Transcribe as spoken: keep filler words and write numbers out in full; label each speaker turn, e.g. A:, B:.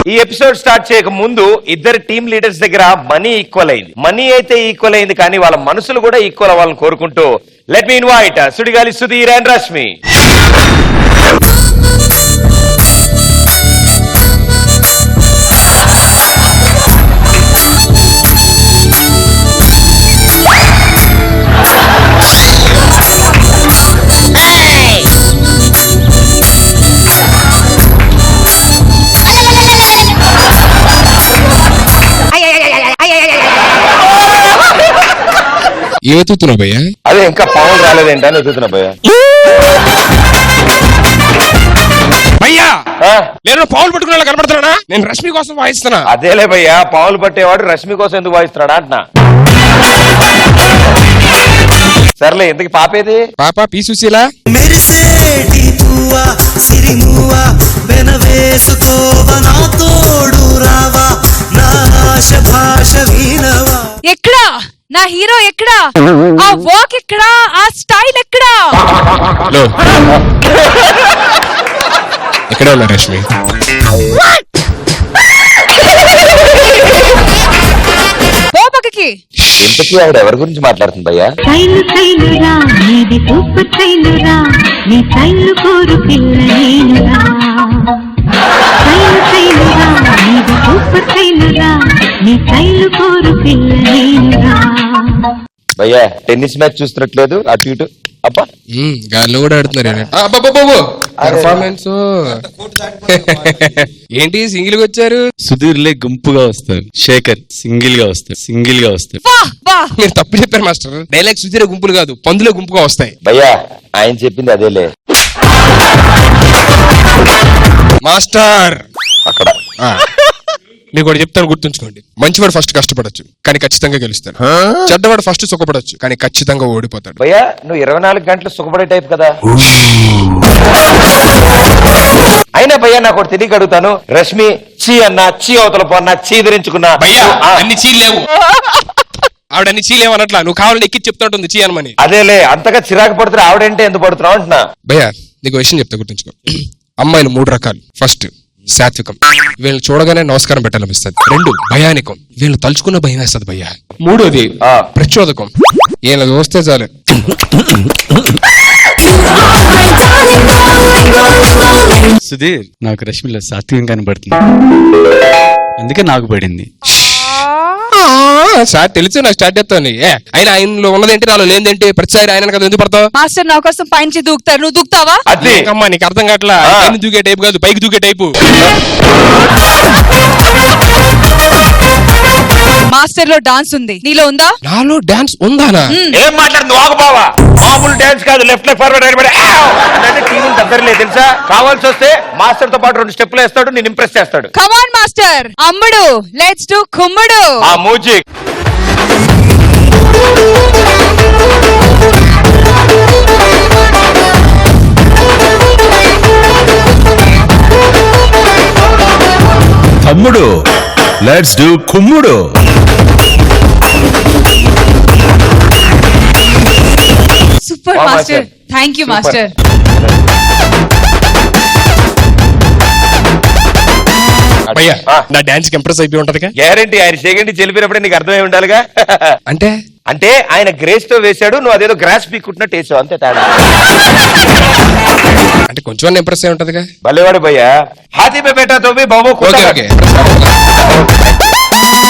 A: ఈ episode start చేయక ముందు ఇద్దరు టీమ్ లీడర్స్ దగ్గర మనీ ఈక్వల్ అయింది. మనీ అయితే ఈక్వల్ అయింది, కానీ వాళ్ళ మనసులు కూడా ఈక్వల్ అవ్వాలని కోరుకుంటూ let me invite Sudigali Sudheer and Rashmi.
B: ఏ ఎత్తుతున్నా భయ్యా?
A: అదే ఇంకా పవన్ రాలేదేంటా అని ఎత్తుతున్నా భయ్యా.
B: భయ్యా నేను పౌలు పట్టుకునే కనబడుతున్నా, నేను రష్మి కోసం వాయిస్తున్నా.
A: అదేలే భయ్యా, పావులు పట్టేవాడు రష్మి కోసం ఎందుకు వాయిస్తున్నాడా అంటున్నా. సర్లే, ఎందుకు పాపేది?
B: పాప పి సుశీల.
C: ఎక్కడా నా హీరో? ఎక్కడా ఆ వాక్? ఎక్కడా ఆ స్టైల్? ఎక్కడా
B: ఎక్కడ ఉన్నా రష్మి?
C: ఓ పక్కకి.
A: ఇంతకీ ఆవిడ ఎవరి గురించి మాట్లాడుతుంది భయ్యా? భయ్యా టెన్నిస్ మ్యాచ్ చూస్తున్నట్లేదు, అటు ఇటు. అబ్బా
B: గాల్లో కూడా ఆడుతున్నారు. పర్ఫార్మెన్స్ ఏంటి? సింగిల్ గా వచ్చారు.
D: సుధీర్ లే గుంపుగా వస్తారు, శేఖర్ సింగిల్ గా వస్తారు. సింగిల్ గా వస్తారు.
B: మీరు తప్పు చెప్పారు మాస్టర్. డైలాగ్ సుధీర్ గుంపులు కాదు, పందులే గుంపుగా వస్తాయి.
A: భయ్యా ఆయన చెప్పింది అదేలే
B: మాస్టర్.
A: అక్కడ
B: మీకు కూడా చెప్తాను, గుర్తుంచుకోండి. మంచివాడు ఫస్ట్ కష్టపడొచ్చు, కానీ ఖచ్చితంగా గెలుస్తాడు. చెడ్డవాడు ఫస్ట్ సుఖపడొచ్చు, కానీ ఖచ్చితంగా ఓడిపోతాడు.
A: భయ్యా నువ్వు ఇరవై నాలుగు గంటలు సుఖపడే టైప్ కదా. అయినా భయ్యా నాకు ఒకటి తెలియక అడుగుతాను, రష్మి చీ అన్నా, చీ అవతల పోన్నా, చీ ధరించుకున్నా.
B: భయ్యా అన్ని చీ లేవు, ఆవిడ అన్ని చీ లేవు అనట్లా. నువ్వు కావాలని ఎక్కి చెప్తాంటుంది చీ అనమని.
A: అదేలే, అంతగా చిరాకు పడుతున్నా ఆవిడంటే ఎందుకు పడుతున్నావు అంటున్నా.
B: భయ్యా నీకు విషయం చెప్తా, గుర్తుంచుకో. అమ్మాయిలు మూడు రకాలు. ఫస్ట్ సాత్వికం, వీళ్ళని చూడగానే నమస్కారం పెట్టాలనిపిస్తుంది. రెండు భయానికం, వీళ్ళు తలుచుకున్న భయం వేస్తుంది భయ్యా. మూడోది ప్రచోదకం, వీళ్ళ చూస్తే చాలు.
D: సుధీర్ నాకు రష్మిలో సాత్వికం కనబడుతుంది, అందుకే నాకు పడింది.
B: సార్ తెలుసు నాకు స్టార్ట్ చేస్తాను. ఆయన ఆయనలో ఉన్నదేంటి, నాలో లేదేంటి? ప్రతిసారి ఆయన కదా ఎందుకు పడతావు?
C: మాస్టర్ నా కోసం పైనుంచి దూకుతారు, నువ్వు దూకుతావా?
B: అమ్మా నీకు అర్థం కావట్లా. పైన దూకే టైపు కాదు, పైకి దూకే టైపు.
C: మాస్టర్ లో డాన్స్ ఉంది, నీలో ఉందా?
B: నాలో డాన్స్ ఉందానా?
A: ఏం మాట్లాడుతుంది వాగబావా? మామూలు డాన్స్ కాదు, లెఫ్ట్ లెఫ్ట్ ఫార్వర్డ్ అంటే టీవీ దగ్గరలే తెలుసా. కావాల్సి వస్తే మాస్టర్ తో పాటు రెండు స్టెప్లు వేస్తాడు, నేను ఇంప్రెస్ చేస్తాడు.
C: కమాన్ మాస్టర్, అమ్ముడు లెట్స్ డు కుమ్ముడు.
A: ఆ మ్యూజిక్
E: తమ్ముడు లెట్స్ డు కుమ్ముడు.
C: Super master, thank you master.
B: భయ్యా నా డాన్స్ కి ఇంప్రెస్ అయిపోయి ఉంటది.
A: గ్యారంటీ ఆయన సెకండ్ చెలిపినప్పుడే నీకు అర్థమై ఉండాలిగా.
B: అంటే
A: అంటే ఆయన గ్రేస్ తో వేశాడు, నువ్వు అదేదో గ్రాస్ పీక్కుంటున్నట్టు వేసావు, అంతే తేడా.
B: అంటే కొంచెం ఇంప్రెస్ అయి ఉంటదిగా.
A: భలేవాడు భయ్యా. హాతీ మే బేటా తో భీ బాబు.
B: Okay okay